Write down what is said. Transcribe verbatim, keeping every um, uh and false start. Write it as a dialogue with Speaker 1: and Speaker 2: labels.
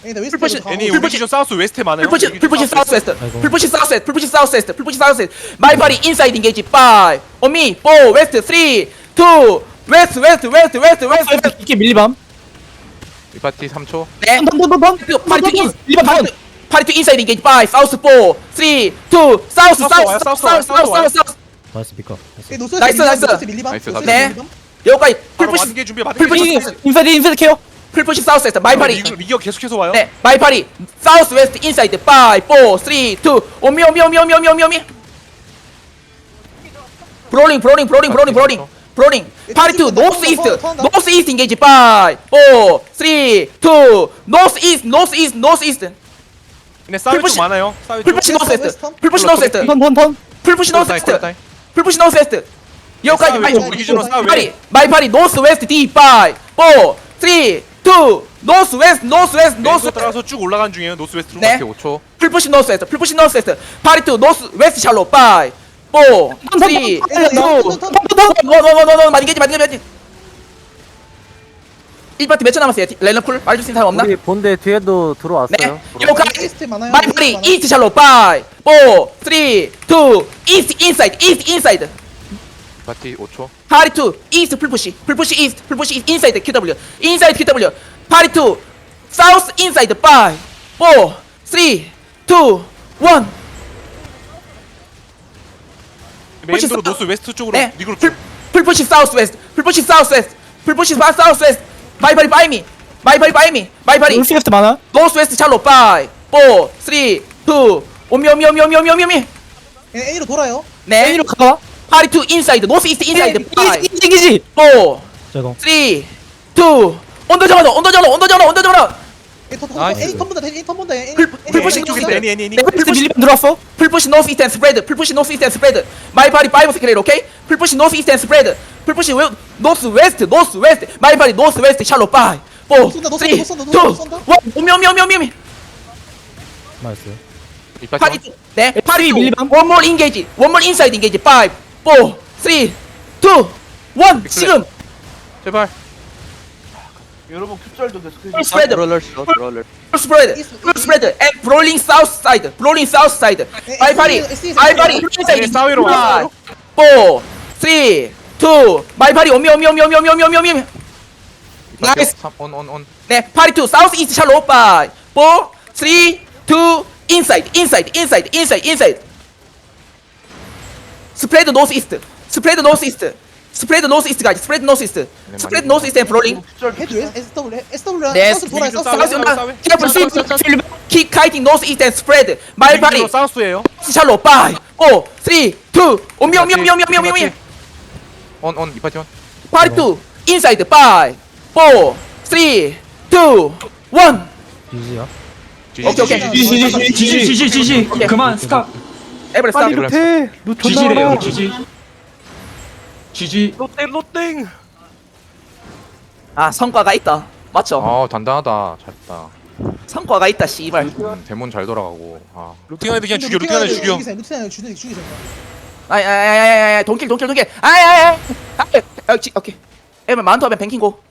Speaker 1: 풀푸시
Speaker 2: 애니 우리
Speaker 1: 풀푸시
Speaker 2: 기준 사우스 웨스트에 많아요.
Speaker 1: 풀푸시
Speaker 2: 우리 기준
Speaker 1: 풀푸시
Speaker 2: 사우스
Speaker 1: 사우스 웨스트
Speaker 3: 아이고.
Speaker 1: 풀푸시 사우스 웨스트 풀푸시 사우스 웨스트 풀푸시 사우스 웨스트 마이 파리 인사이드 인게이지 파이브 온미 포 웨스트 쓰리 투 웨스트 웨스트 웨스트 웨스트 웨스트
Speaker 3: 이게 밀리밤.
Speaker 4: 이 파티 삼 초.
Speaker 1: 네
Speaker 3: 던던던던.
Speaker 1: 파리 투 인
Speaker 3: 밀리밤
Speaker 1: 파리
Speaker 3: 던.
Speaker 1: 투 파리 투 인사이드 인게이지 파이브 사우스 포 쓰리 투 사우스
Speaker 2: 사우스
Speaker 1: 사우스
Speaker 2: 와요,
Speaker 1: 사우스
Speaker 2: 사우스 와요,
Speaker 1: 사우스 사우스
Speaker 2: 사우스
Speaker 1: 사우스
Speaker 3: 나이스 피커.
Speaker 1: 나이스, 나이스.
Speaker 4: 나이스, 나이스.
Speaker 1: 네 여기까지
Speaker 2: 바로
Speaker 1: 풀푸시
Speaker 2: 만개 준비 만개
Speaker 1: 풀푸시
Speaker 2: 준비.
Speaker 3: 인사이드 인사이드 케어.
Speaker 1: 풀푸시 사우스 웨스트 마이 파리
Speaker 2: 리그 리그 계속해서 와요.
Speaker 1: 네 마이 파리 사우스 웨스트 인사이드 파이브 사 쓰리 투 오미 오미 오미 오미 오미 오미 오미 브롤링 브롤링 브롤링 브롤링 브롤링 브롤링 파리 투 노스 이스트 노스 이스트 인게이지 파이브 사 쓰리 투 노스 이스트 노스 이스트 노스 이스트
Speaker 2: 근데 싸울
Speaker 1: 풀푸시-
Speaker 2: 좀 많아요. 싸울 좀.
Speaker 1: 풀푸시 노스 웨스트 풀푸시 노스 웨스트
Speaker 3: 턴턴턴.
Speaker 1: 풀푸시 노스
Speaker 4: 콜타임,
Speaker 1: 웨스트
Speaker 4: 콜타임.
Speaker 1: 풀푸시 노스 웨스트 여기까지
Speaker 2: 싸울
Speaker 1: 마이
Speaker 2: 좀 우리 기준으로 싸울
Speaker 1: 파리
Speaker 2: 왜?
Speaker 1: 마이 파리 노스 웨스트 디 파이브 사 쓰리 투 노스 웨스트 노스 웨스트 노스
Speaker 2: 노스 따라서 쭉 올라가는 중이에요. 노스 웨스트로.
Speaker 1: 네.
Speaker 4: 파티 오 초.
Speaker 1: 풀푸시 노스 웨스트 풀푸시 노스 웨스트 파리 투 노스 웨스트 샬로 파이브 사 쓰리 투 원원원원원 많이 게지 많이 게지 일 파티 몇 초 남았어요? 렐런 쿨 말해줄 수 있는 사람 없나?
Speaker 5: 우리 본대 뒤에도
Speaker 1: 네
Speaker 5: 들어왔어요.
Speaker 1: 요까지 마이 파리 이스트 샬로 파이브 사 쓰리 투 이스트 인사이드 이스트 인사이드
Speaker 4: 파티 오 초.
Speaker 1: 파리 투 이스트 풀푸시 풀푸시 이스트 풀푸시 이스트 인사이드 큐더블유 인사이드 큐더블유 파리 투 사우스 인사이드 파이브 사 쓰리 투 원
Speaker 2: 메인도로 노스 웨스트 쪽으로
Speaker 1: 네
Speaker 2: 리그로
Speaker 1: 풀,
Speaker 2: 쭉.
Speaker 1: 풀푸시 사우스 웨스트 풀푸시 사우스 웨스트 풀푸시 사 사우스 웨스트 마이파리 바이미 마이파리 바이미 마이파리
Speaker 3: 울스 웨스트 많아.
Speaker 1: 노스 웨스트 샬로 파이브 사 쓰리 투 오미 오미 오미 오미 오미 오미 오미
Speaker 6: A로 돌아요.
Speaker 1: 네
Speaker 3: A로 가봐.
Speaker 1: 파리 투 인사이드 노스 이스트 인사이드 파이브
Speaker 3: 이지 이지.
Speaker 1: 사
Speaker 3: 저거.
Speaker 1: 쓰리 투 언더 정원 언더 정원 언더 정원 언더 정원
Speaker 6: A 턴
Speaker 4: 나이스.
Speaker 6: A 턴 본다. A 턴 본다. A
Speaker 1: 풀- 풀푸시
Speaker 6: A 턴
Speaker 2: 쪽인데
Speaker 6: 본다.
Speaker 2: 애니 애니 애니.
Speaker 1: 네,
Speaker 3: 웨스트
Speaker 1: 풀푸시
Speaker 3: 밀리밤 들어왔어.
Speaker 1: 풀푸시 노스 이스트 앤 스프레드 풀푸시 노스 이스트 앤 스프레드 마이 파리 파이브 스크레일 오케이 풀푸시 노스 이스트 앤 스프레드 풀푸시 웨 노스 웨스트 노스 웨스트 마이 파리 노스 웨스트 샬로 파이브
Speaker 6: 쏜다,
Speaker 1: 사
Speaker 6: 너
Speaker 1: 쓰리
Speaker 6: 쏜다, 너
Speaker 1: 투
Speaker 6: 쏜다, 너 쏜다.
Speaker 1: 원 오미 오미 오미 오미 오미
Speaker 3: 나이스.
Speaker 4: 이 파티
Speaker 1: 파리
Speaker 4: 원.
Speaker 1: 투 네 파리 투
Speaker 3: 밀리밤.
Speaker 1: one more engage one more inside engage 파이브 사 쓰리 투 원 지금
Speaker 4: 제발.
Speaker 7: 여러분 큐절도 됐어.
Speaker 1: 풀 스프레드
Speaker 5: 롤러 슛, 롤러.
Speaker 1: 풀 스프레드 풀 스프레드 and rolling south side rolling south side 마이 파리 마이 파리 inside
Speaker 2: 네, 사회로 와요.
Speaker 1: 사 쓰리 투 마이 파리 오미 오미 오미 오미 오미 오미 오미 오미
Speaker 4: 이 파티
Speaker 1: 나이스.
Speaker 4: 온, 온, 온.
Speaker 1: 네 파리 투 사우스 이스트 샬로 파이브 사 쓰리 투 inside inside inside inside inside 스프레드 노스 이스트 스프레드 노스 이스트 스프레드 노스 이스트 가지 스프레드 노스 이스트 스프레드 노스 이스트 앤 브롤링
Speaker 6: 해줘. S W S W.
Speaker 1: 네
Speaker 6: 사우스 돌아요.
Speaker 2: 좀
Speaker 6: 사우스
Speaker 2: 싸워요,
Speaker 6: 돌아요.
Speaker 2: 싸워요, 싸워요.
Speaker 1: 캐플 스윗 킥 카이팅 노스 이스트 앤 스프레드 마이 파리
Speaker 2: 리그로 사우스예요.
Speaker 1: 샬로 파이브 사 쓰리 투 오미 오미 오미 오미 오미 오미 오미
Speaker 4: 온, 온. 이 파티 온.
Speaker 1: 파리 투 인사이드 파이브 사 쓰리 투 원
Speaker 3: 이지야.
Speaker 1: 오케이 오케이
Speaker 8: 지지 지지 지지 지지
Speaker 1: 오케이.
Speaker 8: 그만 스탑
Speaker 1: 에브리 스탑
Speaker 3: 루테. 루테.
Speaker 8: 지지래요 지지 지지
Speaker 2: 로땡 로땡.
Speaker 1: 아 성과가 있다 맞죠?
Speaker 4: 아, 단단하다. 잘했다.
Speaker 1: 성과가 있다 씨발
Speaker 4: 음, 대문 잘 돌아가고. 아.
Speaker 2: 루팅 안에 그냥 죽여. 루팅 안에 죽여.
Speaker 6: 루틴 안에 죽여. 죽이세요.
Speaker 1: 아이 아이 아이 아이 돈킬 돈킬 돈킬 아이 아이 아이 아이 오케이 에브 마운트 하면 뱅킹고